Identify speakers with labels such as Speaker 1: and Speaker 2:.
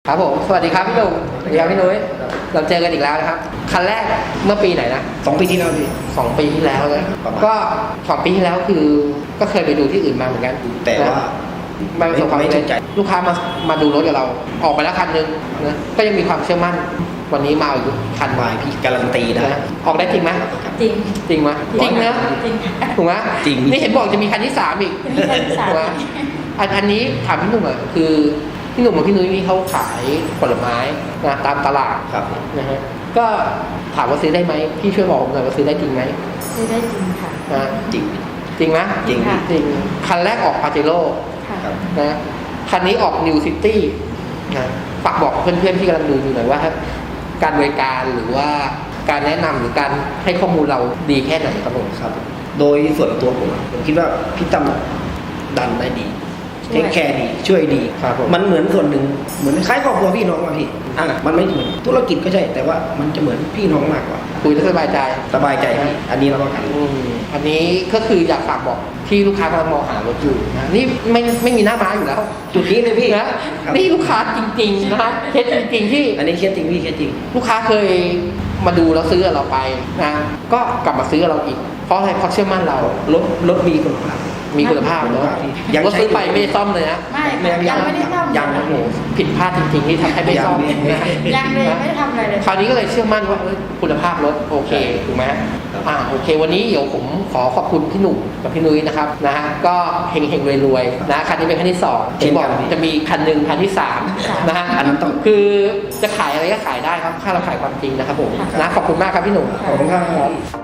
Speaker 1: ครับผมสวัสดีครับพี่หนุ่มสวัสดีครับพี่นุ้ยเราเจอกันอีกแล้วนะครับคันแรกเมื่อปีไหนนะ
Speaker 2: 2 ปีที่แล้วพี่
Speaker 1: 2 ปีที่แล้วนะก็2 ปีที่แล้วคือก็เคยไปดูที่อื่นมาเหมือนกัน
Speaker 2: แต่ว่า
Speaker 1: ไม่ประสบความสำเร็จลูกค้ามาดูรถกับเราออกไปแล้วคันนึงนะก็ยังมีความเชื่อมั่นวันนี้มาอีกคัน
Speaker 2: มาพี่การันตีนะ
Speaker 1: ออกได้จริงไหม
Speaker 3: จริง
Speaker 1: จริงไหมจริงนะ
Speaker 3: จริง
Speaker 1: ถูกไหม
Speaker 2: จริง
Speaker 1: นี่เห็นบอกจะมีคันที่3อีก
Speaker 3: มีคันที่ 3
Speaker 1: ถูกไหมอันนี้ถามพี่หนุ่มอ่ะคือพี่หนุ่มกับพี่นุ้ยนี่เขาขายผลไม้นะตามตลาด
Speaker 2: ครับ
Speaker 1: นะฮะก็ถามว่าซื้อได้ไหมพี่ช่วยบอกผมหน่อยว่าซื้อได้จริงไหม
Speaker 3: ซื้อได้จริงค่ะ
Speaker 1: นะ
Speaker 2: จริง
Speaker 1: จริงไหม
Speaker 2: จริง
Speaker 3: ค่ะ
Speaker 1: จริงคันแรกออกปาเจโร่
Speaker 3: ค่ะ
Speaker 2: ครับ
Speaker 1: นะคันนี้ออกนิวซิตี้นะฝากบอกเพื่อนๆที่กำลังดูอยู่หน่อยว่าการบริการหรือว่าการแนะนำหรือการให้ข้อมูลเราดีแค่ไหนครับผม
Speaker 2: ครับ โดยส่วนตัวผมคิดว่าพี่ตั้มดันได้ดีเทคแคร์ดีช่วยดี
Speaker 1: ครับผม
Speaker 2: มันเหมือนส่วนหนึ่งเหมือนคล้ายครอบครัวพี่น้องมาพี่มันไม่เหมือนธุรกิจก็ใช่ แต่ว่ามันจะเหมือนพี่น้องมากกว่า
Speaker 1: คุยแล้วสบายใจ
Speaker 2: สบายใจพี่อันนี้เราก็กัน
Speaker 1: อันนี้ก็คืออยากฝากบอกที่ลูกค้ากำลังมองหารถอยู่นะนี่ไม่มีหน้าม้าอยู่แล้ว
Speaker 2: จุดนี้เลยพี่
Speaker 1: นะนี่ลูกค้าจริงๆนะเคสจริงๆที่
Speaker 2: อันนี้เคสจริงพี่เคสจริง
Speaker 1: ลูกค้าเคยมาดูแล้วซื้อกับเราไปนะก็กลับมาซื้อกับเราอีกเพราะอะไรเพราะเชื่อมั่นเรา
Speaker 2: รถมีคุณภาพ
Speaker 1: มีคุณภาพเนอะ
Speaker 2: ยัง
Speaker 1: รถ
Speaker 2: ใช้
Speaker 1: ซื้อไปไม่ได้ซ่อมเลยนะ
Speaker 3: ไม่ค่ะยังไม่ได้ทำ
Speaker 2: ยังครับผม
Speaker 1: ผิดพลาดจริงๆที่ทำให้ไม่ซ่อม
Speaker 2: ยัง
Speaker 1: นะ
Speaker 3: ยังเลยไม่ได้ทำอะไรเลย
Speaker 1: คราวนี้ก็เลยเชื่อมั่นว่าคุณภาพรถโอเคถูกไหมโอเค วันนี้เดี๋ยวผมขอขอบคุณพี่หนุ่มกับพี่นุ้ยนะครับนะฮะก็เฮงๆรวยๆนะคันนี้เป็นคันที่2ที่บอกจะมีคันหนึ่งคันที่3นะฮะ
Speaker 2: อันนั้นต้อง
Speaker 1: คือจะขายอะไรก็ขายได้ครับถ้าเราขายความจริงนะครับผมนะขอบคุณมากครับพี่หนุ่ม
Speaker 2: ขอบคุณครับ